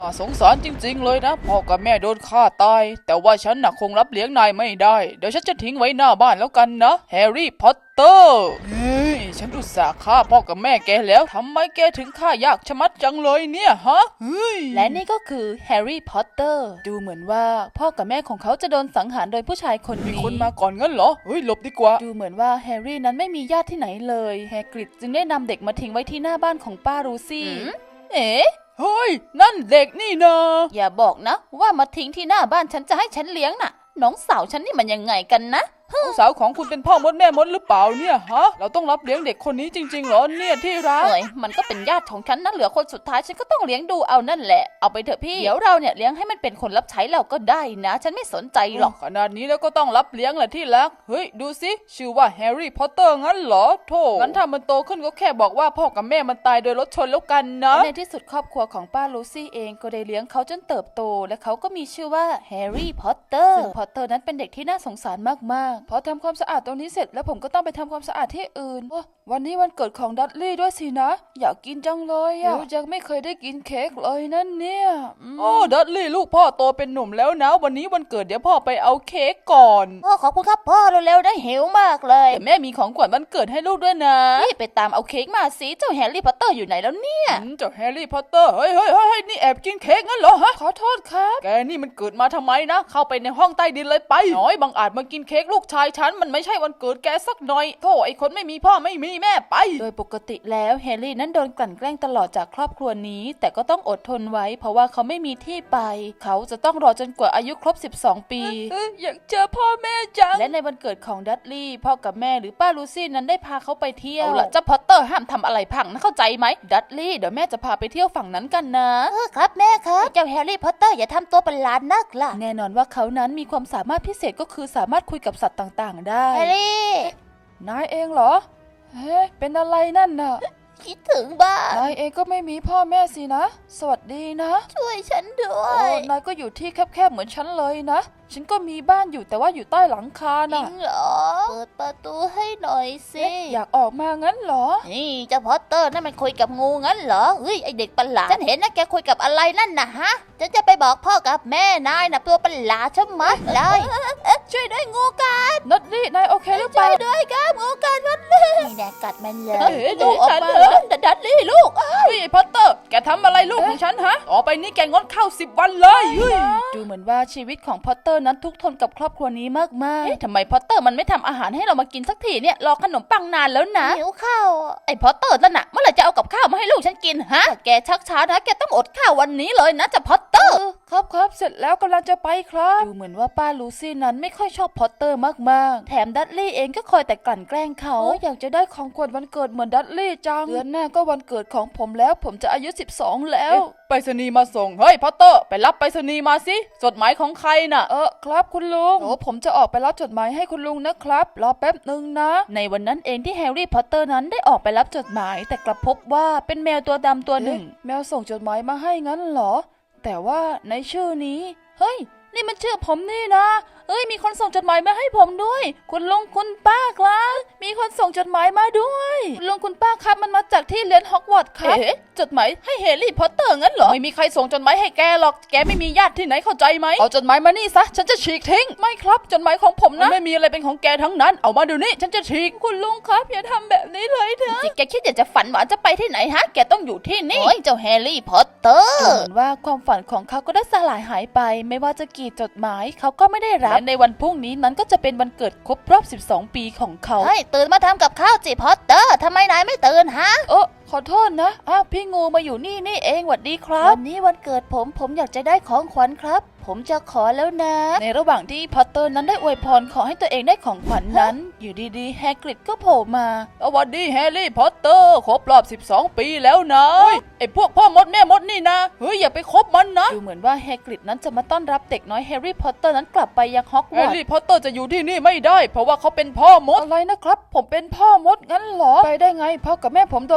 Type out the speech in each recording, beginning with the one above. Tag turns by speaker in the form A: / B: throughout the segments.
A: สงสารจริงๆเลยนะพ่อกับแม่โดนฆ่าตายแต่ว่าฉันน่ะคงรับเลี้ยงนายไม่ได้เดี๋ยวฉันจะทิ้งไว้หน้าบ้านแล้วกันนะแฮร์รี่พอตเตอร์เฮ้ยฉันอุตส่าห์ฆ่าพ่อกับแม่แกแล้วทำไมแกถึงฆ่ายากชะมัดจังเลยเนี่ยฮะเฮ้ย
B: และนี่ก็คือแฮร์รี่พอตเตอร์ดูเหมือนว่าพ่อกับแม่ของเขาจะโดนสังหารโดยผู้ชายคน
A: มี
B: นี้
A: คนมาก่อนงั้นเหรอเฮ้ยหลบดีกว่า
B: ดูเหมือนว่าแฮร์รี่นั้นไม่มีญาติที่ไหนเลยแฮกริดจึงได้นำเด็กมาทิ้งไว้ที่หน้าบ้านของป้ารูซี่เอ๋
A: เฮ้ยนั่นเด็กนี่นา
B: อย่าบอกนะว่ามาทิ้งที่หน้าบ้านฉันจะให้ฉันเลี้ยงน่ะน้องสาวฉันนี่มันยังไงกันนะ
A: ลูกสาวของคุณเป็นพ่อมดแม่มดหรือเปล่าเนี่ยฮะเราต้องรับเลี้ยงเด็กคนนี้จริงๆเหรอเนี่ยที่รัก
B: เอ้ยมันก็เป็นญาติของฉันนะเหลือคนสุดท้ายฉันก็ต้องเลี้ยงดูเอานั่นแหละเอาไปเถอะพี่เดี๋ยวเราเนี่ยเลี้ยงให้มันเป็นคนรับใช้เราก็ได้นะ ฉันไม่สนใจหรอก
A: ขนาดนี้แล้วก็ต้องรับเลี้ยงแหละที่รักเฮ้ยดูสิชื่อว่าแฮร์รี่พอตเตอร์งั้นเหรอโธ่งั้นถ้ามันโตขึ้นก็แค่บอกว่าพ่อกับแม่มันตายโดยรถชนแล้วกันนะ
B: ในที่สุดครอบครัวของป้าลูซี่เองก็ได้เลี้ยงเขาจนเติบโตและเขาก็มีชื่อว่าแฮร์รี่พอตเตอร์ซึ่งพอตเตอร์นั้นเป็นเด็กที่น่าสงสารมากๆพอทำความสะอาดตรงนี้เสร็จแล้วผมก็ต้องไปทำความสะอาดที่อื่นวันนี้วันเกิดของดัตลี่ด้วยสินะอยากกินจังเลยอะยังไม่เคยได้กินเค้กเลยนั่นเนี่ย
A: โอ้ดัตลี่ลูกพ่อโตเป็นหนุ่มแล้วนะวันนี้วันเกิดเดี๋ยวพ่อไปเอาเค้กก่อน
B: พ่อขอบคุณครับพ่อเร็วๆได้หิวมากเลย
A: แต่แม่มีของขวัญวันเกิดให้ลูกด้วยนะ
B: นี่ไปตามเอาเค้กมาสิเจ้าแฮร์รี่พอตเตอร์อยู่ไหนแล้วเนี่ย
A: เจ้าแฮร์รี่พอตเตอร์เฮ้ยนี่แอบกินเค้กงั้นเหรอฮะขอโทษครับแกนี่มันเกิดมาทำไมนะเข้าไปในห้องใต้ดินเลยไปน้อยบังอาจมากินเค้กลูกชายฉันมันไม่ใช่วันเกิดแกสักหน่อยโธ่ไอคนไม่มีพ่อไม่มีแม่ไป
B: โดยปกติแล้วแฮร์รี่นั้นโดนกลั่นแกล้งตลอดจากครอบครัวนี้แต่ก็ต้องอดทนไว้เพราะว่าเขาไม่มีที่ไปเขาจะต้องรอจนกว่าอายุครบ12 ปี
A: อยากเจอพ่อแม่จัง
B: และในวันเกิดของดัตลี่พ่อกับแม่หรือป้าลูซี่นั้นได้พาเขาไปเที่ยวเอาล่ะเจ้าพอตเตอร์ห้ามทำอะไรพังนะเข้าใจไหมดัตลี่เดี๋ยวแม่จะพาไปเที่ยวฝั่งนั้นกันนะครับแม่ครับเจ้าแฮร์รี่พอตเตอร์อย่าทำตัวประหลาดนักล่ะแน่นอนว่าเขานั้นมีความสามารถพิเศษก็คือสามารถคุยกับสัตว์ต่างๆได้แฮร์รี่
A: นายเองเหรอเฮ้เป็นอะไรนั่นน่ะ
B: คิดถึงบ้าน
A: นายเองก็ไม่มีพ่อแม่สินะสวัสดีนะ
B: ช่วยฉันด้ว
A: โอ้
B: ย
A: นายก็อยู่ที่แคบๆเหมือนฉันเลยนะฉันก็มีบ้านอยู่แต่ว่าอยู่ใต้หลังคา
B: จริ
A: น่ะ
B: งเหรอเปิดประตูให้หน่อยสิ
A: อยากออกมางั้นเหรอ
B: นี่เจ้าพอตเตอร์นั่นมันคุยกับงูงั้นเหรอเฮ้ยไอเด็กประหลาดฉันเห็นนะแกคุยกับอะไรนั่นนะฮะฉันจะไปบอกพ่อกับแม่นายนะตัวประหลาดชะมัดเลยช่วยด้วยงูกัด
A: นัดลี่นายโอเคหรือเป
B: ช่
A: ล่า
B: วยด้วยครับงูกัดมันเลยนี่แน่กัดมันเลย
A: ลูกออกมาดัดลี่ลูกเฮ้ยพอตเตอร์แกทำอะไรลูกของฉันฮะต่อไปนี้แกงดข้าว10 วันเลย
B: ดูเหมือนว่าชีวิตของพอตเตอร์นั้นทุกข์ทนกับครอบครัวนี้มากๆทำไมพอตเตอร์มันไม่ทำอาหารให้เรามากินสักทีเนี่ยรอขนมปังนานแล้วนะหิวข้าวไอพอตเตอร์นั่นน่ะเมื่อไหร่จะเอากับข้าวมาให้ลูกฉันกินฮะแกชักช้านะแกต้องอดข้าววันนี้เลยนะจะพอตเตอร์
A: ครับเสร็จแล้วกำลังจะไปครับ
B: ดูเหมือนว่าป้าลูซี่นั้นไม่ค่อยชอบพอตเตอร์มากๆแถมดัตลี่เองก็คอยแต่กลั่นแกล้งเขา
A: อยากจะได้ของขวัญวันเกิดเหมือนดัตลี่จังเดือนหน้าก็วันเกิดของผมแล้วผมจะอายุ12แล้วไปรษณีย์มาส่งเฮ้ยพอตเตอร์ไปรับไปรษณีย์มาสิจดหมายของใครน่ะครับคุณลุงโอ้ผมจะออกไปรับจดหมายให้คุณลุงนะครับรอแป๊บนึงนะ
B: ในวันนั้นเองที่แฮร์รี่พอตเตอร์นั้นได้ออกไปรับจดหมายแต่กลับพบว่าเป็นแมวตัวดำตัวหนึ่ง
A: แมวส่งจดหมายมาให้งั้นเหรอแต่ว่าในชื่อนี้
B: เฮ้ยนี่มันชื่อผมนี่นะมีคนส่งจดหมายมาให้ผมด้วยคุณลุงคุณป้าครับมีคนส่งจดหมายมาด้วยคุณลุงคุณป้าครับมันมาจากที่เรียนฮอกวอตส์ครับจดหมายให้แฮร์รี่พอตเตอร์งั้นเหรอ
A: ไม่มีใครส่งจดหมายให้แกหรอกแกไม่มีญาติที่ไหนเข้าใจไหมเอาจดหมายมานี่ซะฉันจะฉีกทิ้ง
B: ไม่ครับจดหมายของผมนะ
A: ไม่มีอะไรเป็นของแกทั้งนั้นเอามาเดี๋ยวนี้ฉันจะฉีก
B: คุณลุงครับอย่าทำแบบนี้เลยเถอะแกคิดอยากจะฝันหวานจะไปที่ไหนฮะแกต้องอยู่ที่นี่เจ้าแฮร์รี่พอตเตอร์เหมือนว่าความฝันของเขาก็ได้สลายหายไปไม่ว่าจะกี่จดหมายเขาก็ไม่ได้รับและในวันพรุ่งนี้นั้นก็จะเป็นวันเกิดครบรอบ12 ปีของเขาตื่นมาทำกับข้าวจิพอตเตอร์ทำไมนายไม่ตื่นฮะ
A: ขอโทษนะพี่งูมาอยู่นี่เองหวัดดีครับ
B: วันนี้วันเกิดผมอยากจะได้ของขวัญครับผมจะขอแล้วนะ
A: ในระหว่างที่พอตเตอร์นั้นได้อวยพรขอให้ตัวเองได้ของขวัญนั้นอยู่ดีๆแฮกริดก็โผล่มาสวัสดีแฮร์รี่พอตเตอร์ครบรอบ12 ปีแล้วนะไอพวกพ่อมดแม่มดนี่นะอย่าไปคบมันนะ
B: ดูเหมือนว่าแฮกริดนั้นจะมาต้อนรับเด็กน้อยแฮร์รี่พอตเตอร์นั้นกลับไปยังฮอกวอตส์
A: แฮร์รี่พอตเตอร์จะอยู่ที่นี่ไม่ได้เพราะว่าเขาเป็นพ่อมดอะไรนะครับผมเป็นพ่อมดงั้นเหรอไปได้ไงพ่อกับแม่ผมโดนรถชน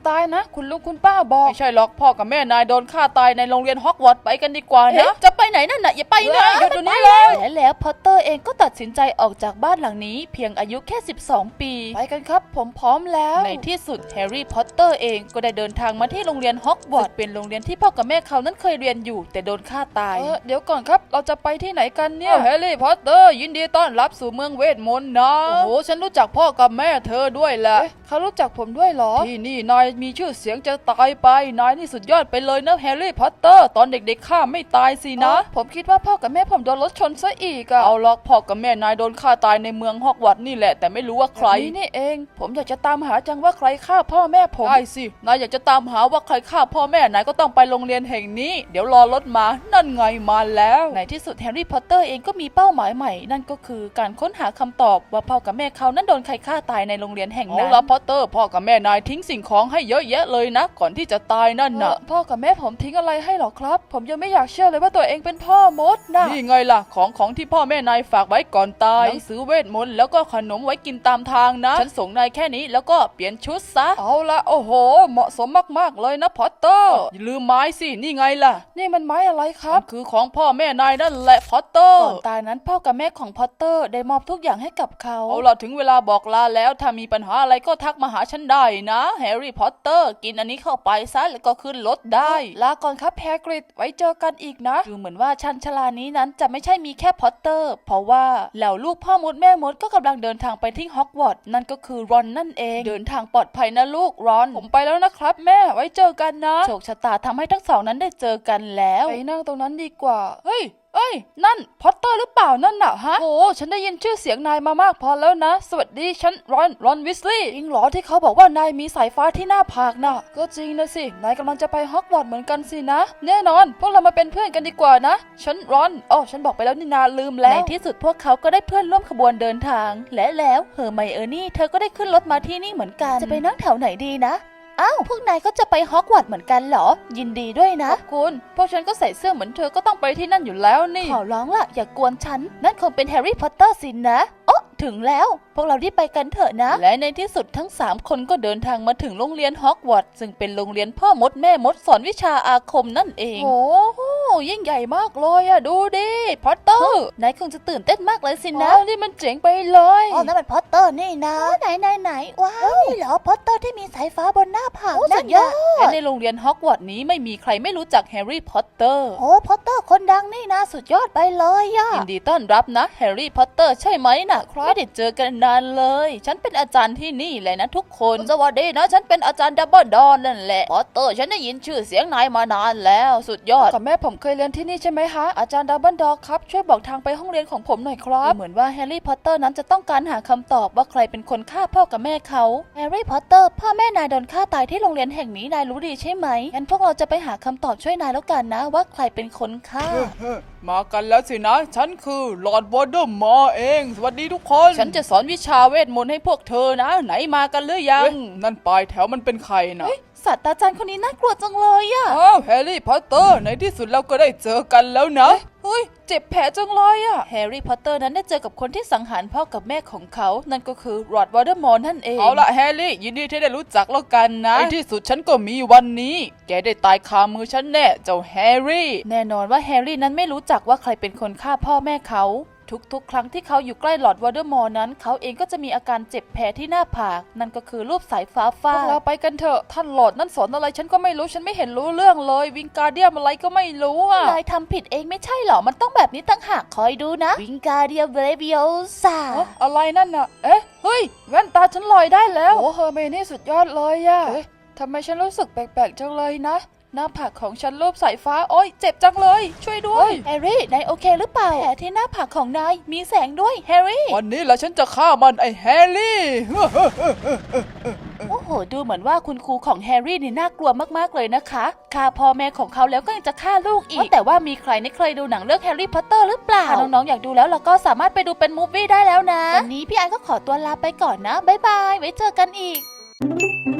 B: ตายนะคุณลุงคุณป้าบอก
A: ไม่ใช่หรอกพ่อกับแม่นายโดนฆ่าตายในโรงเรียนฮอกวอตส์ไปกันดีกว่านะ
B: จะไปไหนนั่นน่ะอย่าไปนะ
A: หยุดเดี๋ยวนี้เลย
B: และแล้วพอตเตอร์เองก็ตัดสินใจออกจากบ้านหลังนี้เพียงอายุแค่12 ปีไปกันครับผมพร้อมแล้วในที่สุดแฮร์รี่พอตเตอร์เองก็ได้เดินทางมาที่โรงเรียนฮอกวอตส์เป็นโรงเรียนที่พ่อกับแม่เขานั้นเคยเรียนอยู่แต่โดนฆ่าตายเดี๋ยวก่อนครับเราจะไปที่ไหนกันเนี่ยแฮร์รี่พอตเตอร์ยินดีต้อนรับสู่เมืองเวทมนต์นะโอ้โหฉันรู้จักพ่อกับแม่เธอด้วยแหละเขารู้จักผมด้วยเหรอที่นี่นายมีชื่อเสียงจะตายไปนายนี่สุดยอดไปเลยนะแฮร์รี่พอตเตอร์ตอนเด็กๆข้าไม่ตายสินะผมคิดว่าพ่อกับแม่ผมโดนรถชนซะอีกอะเอาล็อกพ่อกับแม่นายโดนฆ่าตายในเมืองฮอกวอตส์นี่แหละแต่ไม่รู้ว่าใครนี่เองผมอยากจะตามหาจังว่าใครฆ่าพ่อแม่ผมได้สินายอยากจะตามหาว่าใครฆ่าพ่อแม่นายก็ต้องไปโรงเรียนแห่งนี้เดี๋ยวรอรถมานั่นไงมาแล้วในที่สุดแฮร์รี่พอตเตอร์เองก็มีเป้าหมายใหม่นั่นก็คือการค้นหาคำตอบว่าพ่อกับแม่เขานั้นโดนใครฆ่าตายในโรงเรียนแห่งนั้น พอตเตอร์พ่อกับแม่นายทิ้งสิ่งของให้เยอะแยะเลยนะก่อนที่จะตายนั่นน่ะพ่อกับแม่ผมทิ้งอะไรให้หรอครับผมยังไม่อยากเชื่อเลยว่าตัวเองเป็นพ่อมดนะนี่ไงล่ะของที่พ่อแม่นายฝากไว้ก่อนตายหนังสือเวทมนต์แล้วก็ขนมไว้กินตามทางนะฉันส่งนายแค่นี้แล้วก็เปลี่ยนชุดซะเอาละโอ้โหเหมาะสมมากๆเลยนะพอตเตอร์อย่าลืมไม้สินี่ไงล่ะนี่มันไม้อะไรครับคือของพ่อแม่นายนั่นแหละพอตเตอร์ก่อนตายนั้นพ่อกับแม่ของพอตเตอร์ได้มอบทุกอย่างให้กับเขาเอาล่ะถึงเวลาบอกลาแล้วถ้ามีปัญหาอะไรก็ทักมาหาฉันได้นะแฮร์รี่พอตเตอร์กินอันนี้เข้าไปซะแล้วก็ขึ้นรถได้ลาก่อนครับแฮกริดไว้เจอกันอีกนะดูเหมือนว่าชันชลานี้นั้นจะไม่ใช่มีแค่พอตเตอร์เพราะว่าเหล่าลูกพ่อมดแม่มดก็กำลังเดินทางไปที่ฮอกวอตส์นั่นก็คือรอนนั่นเองเดินทางปลอดภัยนะลูกรอนผมไปแล้วนะครับแม่ไว้เจอกันนะโชคชะตาทำให้ทั้งสองนั้นได้เจอกันแล้วไปนั่งตรงนั้นดีกว่าเฮ้ยนั่นพอตเตอร์หรือเปล่านั่นน่ะฮะโอ้ฉันได้ยินชื่อเสียงนายมามากพอแล้วนะสวัสดีฉันรอนวิสลีย์จริงเหรอที่เขาบอกว่านายมีสายฟ้าที่หน้าผากน่ะก็จริงนะสินายกำลังจะไปฮอกวอตส์เหมือนกันสินะแน่นอนพวกเรามาเป็นเพื่อนกันดีกว่านะฉันฉันบอกไปแล้วนี่นาลืมแล้วในที่สุดพวกเขาก็ได้เพื่อนร่วมขบวนเดินทางและแล้วเฮอร์ไมโอนี่เธอก็ได้ขึ้นรถมาที่นี่เหมือนกันจะไปนั่งแถวไหนดีนะอ้าวพวกนายก็จะไปฮอกวอตส์เหมือนกันเหรอยินดีด้วยนะขอบคุณพวกฉันก็ใส่เสื้อเหมือนเธอก็ต้องไปที่นั่นอยู่แล้วนี่ขอร้องล่ะอย่ากวนฉันนั่นคงเป็นแฮร์รี่พอตเตอร์สินะโอ้ถึงแล้วพวกเรารีบไปกันเถอะนะและในที่สุดทั้ง3คนก็เดินทางมาถึงโรงเรียนฮอกวอตส์ซึ่งเป็นโรงเรียนพ่อมดแม่มดสอนวิชาอาคมนั่นเองโอ้ยิ่งใหญ่มากเลยอะดูดิพอตเตอร์นายคงจะตื่นเต้นมากเลยสินะนี่มันเจ๋งไปเลยอ๋อนั่นมันพอตเตอร์นี่นะไหนว้าวนี่เหรอพอตเตอร์ที่มีสายฟ้าบนหน้าผากสุดยอดและในโรงเรียนฮอกวอตส์นี้ไม่มีใครไม่รู้จักแฮร์รี่พอตเตอร์โอ้พอตเตอร์คนดังนี่นะสุดยอดไปเลยอะยินดีต้อนรับนะแฮร์รี่พอตเตอร์ใช่ไหมนะครับไม่ได้เจอกันนานเลยฉันเป็นอาจารย์ที่นี่เลยนะทุกคนสวัสดีนะฉันเป็นอาจารย์ดับเบิลดอนนั่นแหละพอตเตอร์ฉันได้ยินชื่อเสียงนายมานานแล้วสุดยอดกับแม่ผมเคยเรียนที่นี่ใช่ไหมคะอาจารย์ดับเบิลดอนครับช่วยบอกทางไปห้องเรียนของผมหน่อยครับเหมือนว่าแฮร์รี่พอตเตอร์นั้นจะต้องการหาคำตอบว่าใครเป็นคนฆ่าพ่อกับแม่เขาแฮร์รี่พอตเตอร์พ่อแม่นายโดนฆ่าตายที่โรงเรียนแห่งนี้นายรู้ดีใช่ไหมงั้นพวกเราจะไปหาคำตอบช่วยนายแล้วกันนะว่าใครเป็นคนฆ่า
A: มากันแล้วสินะฉันคือลอร์ดวอเดอร์มอร์เองสวัสดีทุกคนฉันจะสอนวิชาเวทมนต์ให้พวกเธอนะไหนมากันหรือยังนั่นปลายแถวมันเป็นใครนะ
B: ศาสตราจารย์คนนี้น่ากลัวจังเลยอะ
A: อ้าวแฮร์รี่พอตเตอร์ในที่สุดเราก็ได้เจอกันแล้วนะเฮ้ยเจ็บแผลจังเลยอะแฮร์รี่พอตเตอร์นั้นได้เจอกับคนที่สังหารพ่อกับแม่ของเขานั่นก็คือลอร์ดวอเดอร์มอร์นั่นเองเอาละแฮร์รี่ยินดีที่ได้รู้จักแล้วกันนะในที่สุดฉันก็มีวันนี้แกได้ตายคามือฉันแน่เจ้าแฮร์รี่แน่นอนว่าแฮร์รี่นั้นไม่รู้จักว่าใครเป็นคนฆ่าพ่อแม่เขาทุกครั้งที่เขาอยู่ใกล้ลอร์ดวอเดอร์มอร์นั้นเขาเองก็จะมีอาการเจ็บแผลที่หน้าผากนั่นก็คือรูปสายฟ้าฟาดเราไปกันเถอะท่านลอร์ดนั่นสอนอะไรฉันก็ไม่รู้ฉันไม่เห็นรู้เรื่องเลยวิงการเดียมอะไรก็ไม่รู้อ่ะนายทำผิดเองไม่ใช่หรอมันต้องแบบนี้ต่างหากคอยดูนะวิงการเดียมเบลวิโอซาอะไรนั่นน่ะเฮ้ยแว่นตาฉันลอยได้แล้วโอ้เฮอร์ไมนี่สุดยอดเลยอ่ะทำไมฉันรู้สึกแปลกๆจังเลยนะหน้าผากของฉันรูปสายฟ้าโอ๊ยเจ็บจังเลยช่วยด้วยแฮร์รี่นายโอเคหรือเปล่าแผลที่หน้าผากของนายมีแสงด้วยแฮร์รี่วันนี้แหละฉันจะฆ่ามันไอ้แฮร์รี่
B: โอ้โหดูเหมือนว่าคุณครูของแฮร์รี่นี่น่ากลัวมากๆเลยนะคะฆ่าพ่อแม่ของเขาแล้วก็ยังจะฆ่าลูกอีกแต่ว่ามีใครไม่เคยดูหนังเรื่องแฮร์รี่พอตเตอร์หรือเปล่าถ้าน้องๆอยากดูแล้วเราก็สามารถไปดูเป็นมูฟวี่ได้แล้วนะวันนี้พี่ไอก็ขอตัวลาไปก่อนนะบ๊ายบายไว้เจอกันอีก